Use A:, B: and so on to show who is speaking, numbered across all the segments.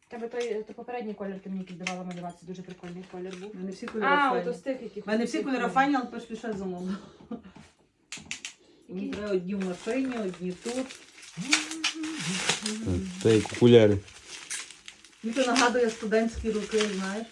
A: Тебе той попередній колір ти мені якийсь давала малювати, дуже прикольний колір був.
B: У мене всі кольори
A: А,
B: файні.
A: ото з тих, яких...
B: У мене всі кольори файні, але пише замовно. Мені треба одні в машині, одні тут.
C: Та як окуляри.
B: Мені це нагадує студентські роки, знаєш.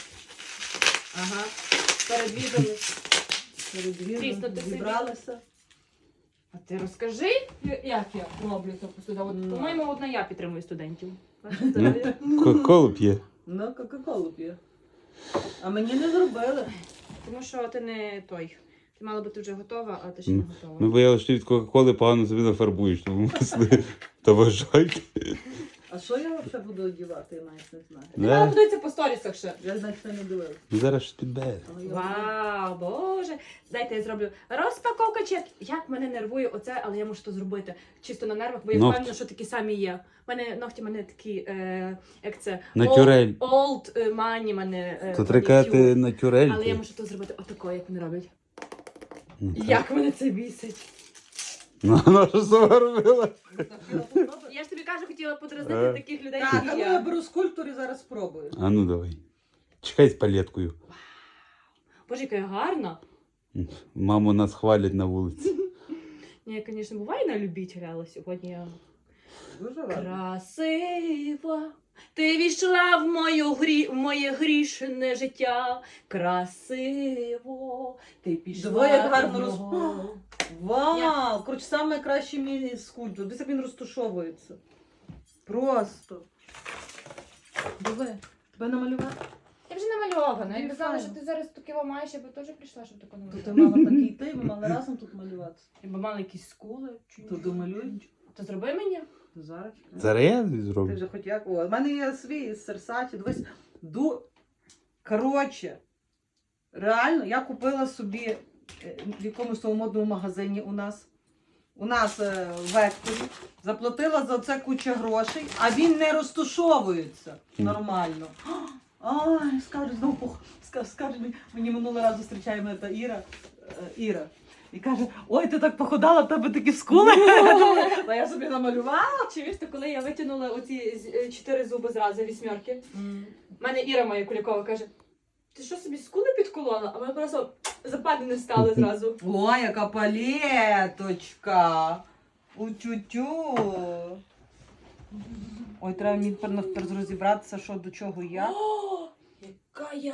A: Ага. Передвідали.
B: Перед
A: Дійсно, ти
B: зібралися.
A: А ти розкажи, як я роблю це посуда. От, по-моєму, одна я підтримую студентів.
C: Кока-колу п'є.
B: Ну, кока-колу п'є. А мені не зробили.
A: Тому що ти не той. Ти мала бути вже готова, а ти ще не готова.
C: Ми боялися, що ти від Кока-коли погано собі нафарбуєш, тому мисли. Та вважайте.
B: А що я взагалі буду одягати, я навіть не знаю.
A: Ти мала подивитися по сторісах ще.
B: Я навіть це не дивилася.
C: Зараз щось підбере.
B: Але я
A: Вау, боже. Дайте я зроблю розпаковка чек. Як мене нервує оце, але я можу то зробити. Чисто на нервах, бо я
C: Ногті.
A: впевнена, що такі самі є. У мене ногті такі, як це,
C: Натюрель.
A: old money мене.
C: То треба казати натюрель.
A: Але я можу то зробити отако, як вони роблять.
C: Ну, так.
A: Як мене це бісить.
C: Ну, вона що сама робила?
A: Я ж тобі кажу, хотіла подразнити таких людей,
B: Так,
A: як
B: а ну
A: я.
B: я беру скульптор і зараз спробую.
C: А ну давай. Чекай з палеткою.
A: Боже, яка я гарна.
C: Маму нас хвалять на вулиці.
A: Ні, звісно, буває на любителя, але сьогодні я...
B: Дуже рада.
A: Красива, ти війшла в моє грішне життя. Красиво, ти пішла.
B: Диви, як гарно
A: в нього.
B: Вау! Коротше, саме кращий мій скульптор. Дивись, як він розташовується. Просто. Диви, тебе намалювати?
A: Я вже намальована. Я
B: Ну,
A: казала,
B: файно.
A: що ти зараз таке маєш, я би теж прийшла, щоб таке
B: То ти
A: намалювати.
B: мала такий ти, ми мали разом тут малювати.
A: Я би мала якісь скули.
B: То домалюй.
A: То зроби мені.
B: То зараз.
C: Зараз я
B: Ти
C: зроблю.
B: вже хоч як. О, в мене є свій з Серсаті. Дивись, коротше, реально, я купила собі в якомусь тому модному магазині у нас в Векторі, заплатила за це кучу грошей, а він не розташовується нормально. Ай, скажуть, знову скажуть, мені минулого разу зустрічає мене та Іра. І каже, ой, ти так походала, в тебе такі скули. Та я собі намалювала.
A: Чи вірте, коли я витягнула оці 4 зуби зразу, 8. В мене Іра моя Кулікова каже, ти що собі скули підколола? А мене просто западини стали зразу.
B: Ой, яка палеточка. У-тю-тю. Ой, треба мені тепер розібратися, що до чого я.
A: О, яка я!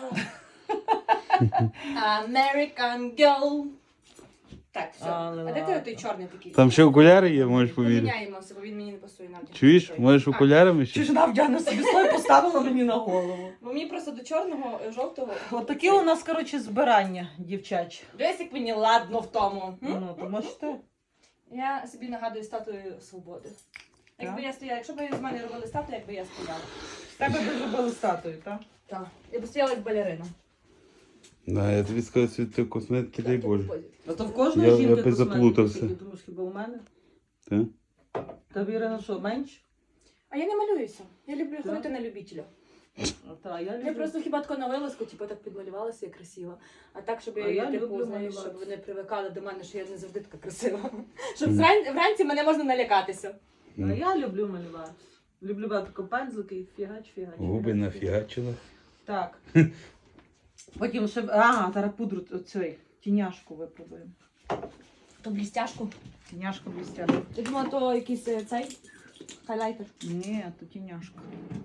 A: American girl. Так, все.
B: Але
A: А де ти
B: ладно.
A: той чорний такий?
C: Там ще окуляри є, можеш повірити.
A: Поміняємося, бо він мені не пасує нам.
C: Чуєш, можеш окулярами
B: Чи
C: ще?
B: ж вона вдягне собі слой поставила мені на голову.
A: Бо мені просто до чорного, жовтого.
B: От такі у нас, коротше, збирання, дівчачі.
A: Дивись, як мені ладно в тому. М?
B: Ну, то можете.
A: Я собі нагадую статую свободи. Якби я стояла, якщо б з мене робили статую, якби я стояла.
B: З тебе би зробили статую, так?
A: Так. Я б стояла як балерина.
C: Да, я тобі сказав, що ти косметики, дай Боже.
B: А то в кожної
C: Я
B: жінки
C: би
B: косметики,
C: заплутався.
B: ти думаєш, хіба у мене?
C: Так?
B: Та Ірина, що, менше?
A: А я не малююся. Я люблю
B: Так?
A: ходити на любителя.
B: Та, я люблю.
A: Я просто хіба тако на вилазку, типу, так підмалювалася, я красива. А так, щоб
B: А я
A: типу,
B: люблю
A: знаєш, щоб
B: малювати.
A: вони привикали до мене, що я не завжди така красива. Щоб
C: Мгм.
A: вранці мене можна налякатися.
B: А я люблю малювати. Люблю брати тако пензлики і фігач.
C: Губи нафігачила.
B: Так. Потім ще, зараз пудру оцей, тіняшку випробуємо.
A: То блістяшку.
B: Тіняшка блістяшка.
A: Я думала, то якийсь цей хайлайтер.
B: Ні, то тіняшка.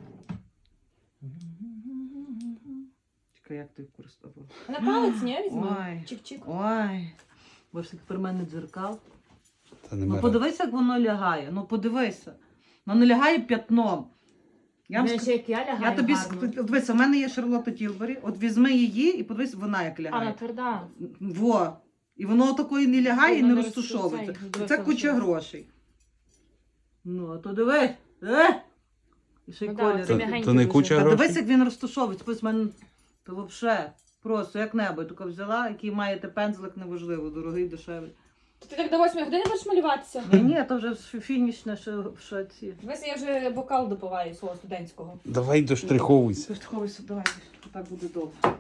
B: Чекай, як ти використовував?
A: На палець, ні, візьми.
B: Ой.
A: Чик-чик.
B: Ой, бо ж тепер в мене дзеркал.
C: Та
B: Ну
C: нема.
B: подивися, як воно лягає. Ну подивися. Воно лягає п'ятном. Я, вам
A: Знаєш, як я лягаю
B: я тобі
A: гарно.
B: дивися, в мене є Шарлотта Тілбері. От візьми її і подивись, вона як
A: А, вона
B: лягає.
A: тверда.
B: Во. І воно такої не лягає і
A: Воно
B: не
A: не
B: розтушовується.
A: розтушується.
B: Це куча
A: Дивися,
B: грошей. Ну, а то дивись. І ще й
A: Ну да,
B: колір.
A: це
C: То,
A: м'ягенько
C: то не
A: дуже.
C: куча
B: Та
C: грошей?
B: дивись, як він розташовується. Ось в мене то взагалі просто як небо. Тільки взяла, який маєте пензлик, неважливо, дорогий, дешевий.
A: То ти так до 8 години будеш малюватися?
B: Ні, то вже фінішне, що ці.
A: Дивись, я вже бокал допиваю свого студентського.
C: Давай доштриховуйся.
B: Поштриховуйся, давай, так буде довго.